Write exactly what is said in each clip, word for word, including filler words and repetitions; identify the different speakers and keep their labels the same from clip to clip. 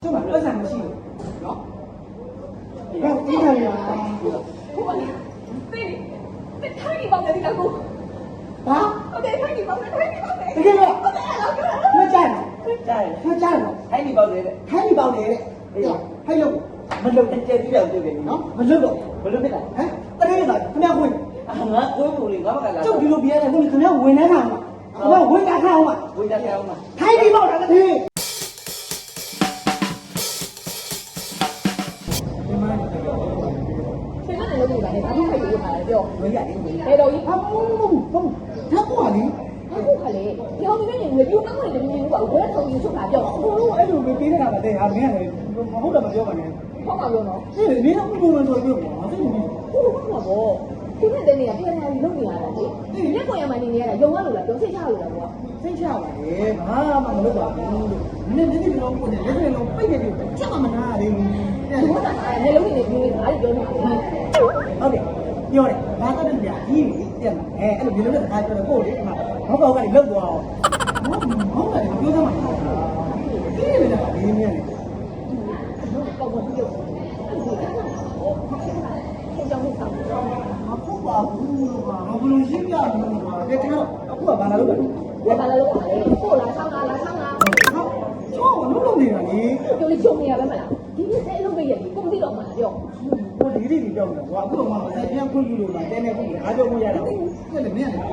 Speaker 1: ကျမပတ်စံမရှိဘူးနော်ဘယ်ဒီကလေးอ่ะ
Speaker 2: ဟုတ်ပါလေသိနေထိုင်နေပါမယ်ဒီကောင်
Speaker 1: ဟာ
Speaker 2: ဟုတ်တယ်ထိုင်နေပါမယ်ထိုင်နေပါမယ်
Speaker 1: တကယ်လို့
Speaker 2: ဟုတ်တယ်ဟုတ်တယ်
Speaker 1: မကြိုက်
Speaker 3: ကြိုက်
Speaker 1: မကြိုက်တော့
Speaker 3: ထိုင်းနေပေါက်တယ်တဲ့
Speaker 1: ခိုင်းနေပေါက်တယ်တဲ့ဟဲ့ဟဲ့လို့
Speaker 3: မလုံတဲ့ကြက်ပြောက်တွေ့တယ်နော်
Speaker 1: မလွတ်တော့
Speaker 3: မလုံဖြစ်တာ
Speaker 1: ဟမ်တကယ်လို့ခင်ဗျားဝင်
Speaker 3: အာငါကိုယ်ကိုလေငါမကလာ
Speaker 1: ကျုပ်ဒီလိုပြရတယ်ဝင်ခင်ဗျားဝင်နေမှာခင်ဗျားဝင်ကြခအောင်မှာ
Speaker 3: ဝိဒါကြောင်းမှာ
Speaker 1: ခိုင်းနေပေါက်တာတည်း
Speaker 2: ရှင်ကနေလုပ်နေတာလေဘာလို့ခိုက်လို့ရမှာလဲပြော
Speaker 1: ဝင်ရတယ်ဝင်ရ
Speaker 2: ဘယ်တော့ကြီး
Speaker 1: ဟာဘုံဘုံဘုံဓာတ်ပွားလေ
Speaker 2: အခုခလေဒီဟောင်းနေနေပြူကောင်းနေတယ်မြင်လို့ပါဝဲဆုံးယူချုပ်တာပြော
Speaker 1: ဘုံအဲ့လိုပေးနေတာမတဲ့ဟာမင်းကလည်းမဟုတ်တော့မပြောပါနဲ့
Speaker 2: ဟုတ်ပါပြောနော်
Speaker 1: အေးမင်းကဘုံဘုံဆိုပြောမှာသိနေပြီ
Speaker 2: ဟုတ်ပါဘောဒီနေ့တည်းနေရပြန်လာပြီးလုပ်နေရတာလေလက်ပေါ်ရမှနေနေရတာယုံရလို့လားပြောစိတ်ချလို့လားကွာ
Speaker 1: စိတ်ချပါလေဘာမှမလုပ်ပါဘူးလို့မင်းလည်းဒီလိုကိုလည်းလက်တွေလုံးပိတ်နေပြီချက်မှမနာရသေးဘူး
Speaker 2: ဒီကမျက်လုံးနေနေပြီးနေတာအဲ့ပြောနေတာ
Speaker 1: ဟုတ်တယ်ပြောတယ်ဘာတတ်တယ်ကြာကြီးတက်မှာအဲအဲ့လိုဒီလိုနဲ့စကားပြောတယ်ကိုလေဒီမှာဘောက်ဘောက်ကနေလောက်သွားအောင်ဟောဟောတယ်ပြောသမှာဒီလေလားဒီမြင်နေ
Speaker 2: ပေါ့ပေါ့ပြောအဲ့ဒါကအကြောင်းကိုဆောင်တော့
Speaker 1: မဟုတ်ပါဘူးလို့ပါဘယ်လိုရှင်းပြမလဲပါတဲ့ကျွန်တော်အခုကဘာလာလို့လဲ
Speaker 2: ဝယ်ပါလာလို့ပါလေပို့လာဆောင်းလာလာဆောင်းလာ
Speaker 1: ဟောကျောင်းလုံးလုံးနေတာလေ
Speaker 2: ပြောလေးချုံနေရပဲမလားဒီနေ့အဲ့လုံးပဲရပြီကုန်တိတော့မှာပြော
Speaker 1: ဟိုဒီဒီပြောနေတာကွာအခုတော့မှဆက်ပြန်ခွင့်ပြုလို့လားတဲနေခွင့်ပြုအားကြောင့်မရတော့ဘူးအဲ့လေမင်းလေ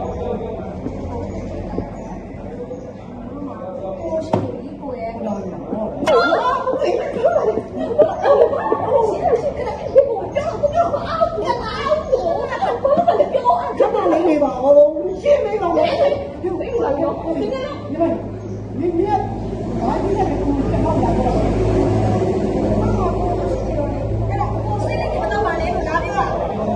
Speaker 2: ကိုရှိပြီကိုရဲ့
Speaker 1: ဟုတ်လားဟုတ်
Speaker 2: ဟုတ်ပြီဟုတ်ပါလေရှင်ရှင်ကလည်းဒီကိုကြောက်ကြောက်အောက်ပြန်လာအောက်ကိုတော့ဘာလို့လဲပြောအောင်
Speaker 1: ကပ်တော့နေပါဦးရှင်းနေပါဦး
Speaker 2: ဒီဘယ်လိုလဲပြောဒီနေ့တော့
Speaker 1: ဒီမှာမင်းမင်းဘာကြီးလဲကိုတက်တော့လာတော့
Speaker 2: အဲ့တော့ကိုစိတ်နဲ့မတော့ပါနဲ့ဒါလေးက
Speaker 1: ဟာ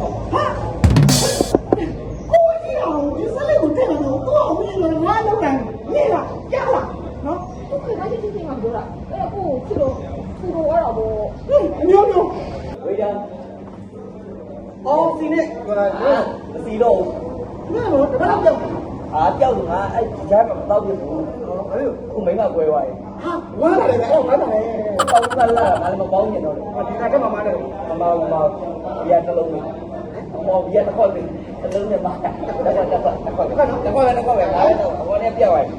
Speaker 1: ကိုကြီးအောင်ဒီစလေးကိုတက်လာတော့ကိုအောင်ပြီးတော့ငါလောက်တယ်နေလားကြားလားနော်
Speaker 2: သူကလည်းချင်းချင်းကပြောတာအဲ့တော့ကိုချစ်လို့သူ့တော့တော့ဘော
Speaker 1: ဟင်းအမျိုးမျိုး
Speaker 3: ဝိဒါ
Speaker 1: အော်စီနဲ့ပြောတာ
Speaker 3: အာမစီတော့
Speaker 1: ငါတော့တပတ်ပြောက်တာ
Speaker 3: အာပြောက်ငါအဲ့ဒီကြားမှာမတော့ဘူးခုမိမကွဲသွားတယ်
Speaker 1: ဟာဝမ်းလာတယ်အော်ဝမ်းလာတယ်
Speaker 3: ပေါင်းကလာငါလည်းမပေါင်းညင်တော့တယ်
Speaker 1: ဒီကတည်းကမှမတယ်
Speaker 3: မမောင်မောင်ဘီယာတစ်လုံးလေးမောင်ဘီယာတစ်ခေါက်လေးတစ်လုံးနဲ့ပါတစ်ခေါက်တစ်ခေါက်တစ်ခေါက်တစ်ခေါက်တစ်ခေါက်တစ်ခေါက်ပဲငါလည်းတော့ဘောနဲ့ပြောက်သွားတယ်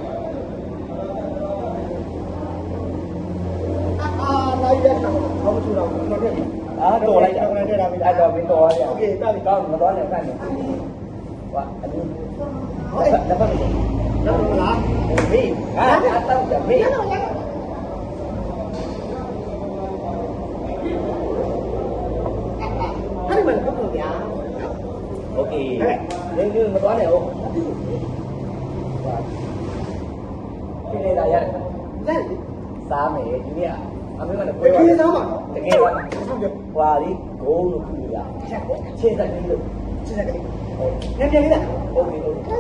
Speaker 1: အာလိုက်တဲ့တော့ဘာမှမထူတော့ဘူးတော့တယ်
Speaker 3: အာတော်လိုက်တာအဲ့တော့မင်းတော်ရတယ်
Speaker 1: โอเคတာပြီ
Speaker 3: ကောင်းမတော်နဲ့ဖတ်နေဝါအဒီ
Speaker 1: ဟုတ်ကဲ့
Speaker 3: လက်ဖက်မစ
Speaker 1: တော့မလား
Speaker 3: မေးဟာအတောက်ကြမေး
Speaker 1: ရတော့ရတော့အဲ့ဒီမှာတော့ဗျာ
Speaker 3: โอเคရင်းရင်းမတော်နဲ့ဟုတ်ဒီနေတာရတယ်
Speaker 1: လက်
Speaker 3: စားမယ်ဒီနေ့အမေကလည်း
Speaker 1: တ
Speaker 3: ပွဲပါ
Speaker 1: ကယ်သားပါ
Speaker 3: တကယ်ပါ
Speaker 1: ဟုတ်ကဲ့
Speaker 3: ဟွာလीဂိုးလို့ခုရ
Speaker 1: ချက်ပေါ့
Speaker 3: ခြေစက်ကြီးလို့
Speaker 1: ချက်ချက်ကလေးညံ့ညံ့လေးလား
Speaker 3: โอเคโอเค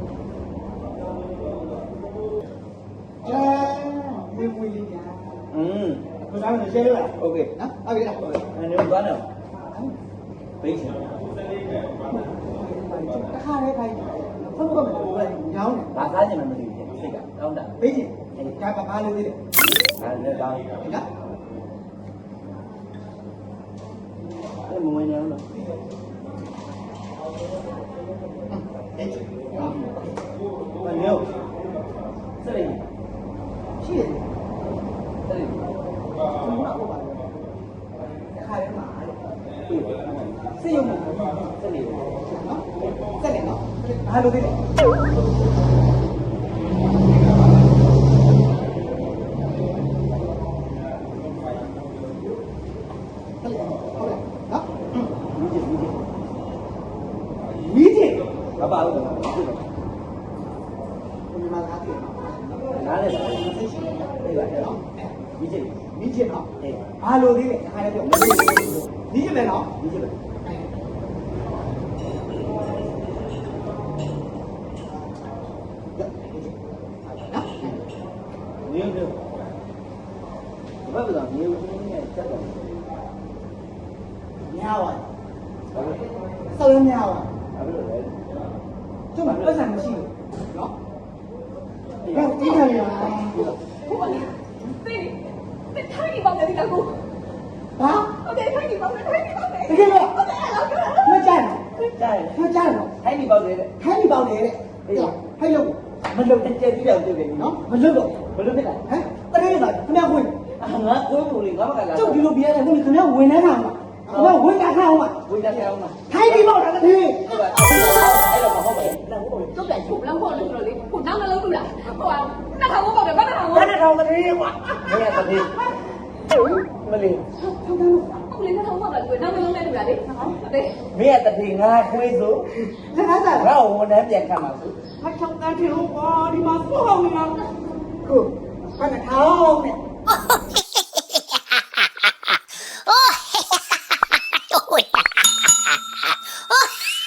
Speaker 1: ကျန်မေးမွေးလေးညာ
Speaker 3: อืม
Speaker 1: ဘယ်သားလဲရှင်းလို့လား
Speaker 3: โอเค
Speaker 1: နော်ဟုတ်ပြီလားဟုတ်ပြီ
Speaker 3: အဲ့ဒီသွားနေပိတ်ချင်
Speaker 1: တခါလေးခိုင်းဖုန်းကတော့မလို့လေညောင်းတယ်
Speaker 3: ဘာစားချင်မှမသိဘူးစိတ်ကတောင်းတာ
Speaker 1: ဘေးချင်းဒါကဘာလို့သေးလဲ
Speaker 3: အဲ့လည်းကောင်း
Speaker 1: နော်
Speaker 3: အဲ့မဝင်နေအောင်လို့
Speaker 1: အေး
Speaker 3: မနေဘူးစရိ
Speaker 1: ရှိတယ်
Speaker 3: စရိ
Speaker 1: ဘုရားဟုတ်ပါလားတခါလေးမှာစေးရုံမှာ
Speaker 3: စရိ
Speaker 1: နော်စက်တယ်နော်ဘာလို့သေးလဲမီးတင်
Speaker 3: ဘာပါလို့
Speaker 1: ဘယ်မှာလာတယ်
Speaker 3: နားလဲစား
Speaker 1: သိရှိတယ်
Speaker 3: ပြေးပါနော်ဒီချိန်
Speaker 1: မီးတင်နော်
Speaker 3: အေး
Speaker 1: ဘာလို့သေးလဲတခါလေးပြောမီးတင်မယ်နော်
Speaker 3: ဒီချိန်ပဲ နေနေဘာလို့လဲနေဦးနေချက်တော့
Speaker 1: များပါ
Speaker 3: ဘာလို့
Speaker 1: စောင်းများပါ
Speaker 3: ဘာလို့လဲ
Speaker 1: ကျမပတ်စံမရှိဘူးနော်ဘယ်ဒီကလေးလား
Speaker 2: ဟုတ်ပါလေသိနေထိုင်နေပါပေါက်တယ်ဒီကောင်
Speaker 1: ဘာ
Speaker 2: ဟုတ်တယ်ထိုင်နေပေါက်တယ်ထိုင်နေပေါက်တယ်
Speaker 1: တကယ်လို့
Speaker 2: ဟုတ်တယ်အဲ့လောက်ပြော
Speaker 1: မကြိုက်
Speaker 3: ကြိုက်
Speaker 1: ဘူးမကြိုက်ဘူး
Speaker 3: ထိုင်းဒီပေါက်နေတဲ့
Speaker 1: ခိုင်းနေပေါက်နေတဲ့ဟဲ့လို့
Speaker 3: မလုံတဲ့ကျဲပြီးတော့တွေ့တယ်နော်
Speaker 1: နော်မလွတ်တော့
Speaker 3: ဘယ်လိုဖြစ်လဲ
Speaker 1: ဟမ်တကယ်လားခင်ဗျာဝင်
Speaker 3: အာငါကိုယ်ကိုလေငါမကလာ
Speaker 1: ကျုပ်ဒီလိုပြရတယ်ခင်ဗျာဝင်နေမှာခင်ဗျာဝင်တာခါအောင်ပါ
Speaker 3: ဝေးကြအောင်လား
Speaker 1: ခိုင်းနေပေါက်တာတည်း
Speaker 3: ဟုတ်ပါအဲ့တော့မဟုတ်ပါဘူး
Speaker 2: ကျုပ်ပြန်ချုပ်လမ်းဖို့လို့ဆိုတော့လေခုနောက်နှလုံးလို့လားဟိုကနှစ်ထောင်ပေါက်တယ်ဘာနှစ်ထောင်
Speaker 1: ဘာနဲ့ထောင်တည်းကွာ
Speaker 3: မင်းကတည်းမလေး
Speaker 2: ဟုတ်လေနှစ်ထောင်ပေါက်တယ်ကိုနောက်နှလုံးနဲ့တူတာလေဟုတ်တယ်
Speaker 3: မင်းကတည်းငါခွေးဆို
Speaker 1: လက်ကားစား
Speaker 3: ငါ့ဝန်ထမ်းပြန်ခံပါဆို
Speaker 1: ဘာချောင်းတန်းထင်လို့ကွာဒီမှာစိုးအောင်နေတာကိုဘာနဲ့ထောင်နဲ့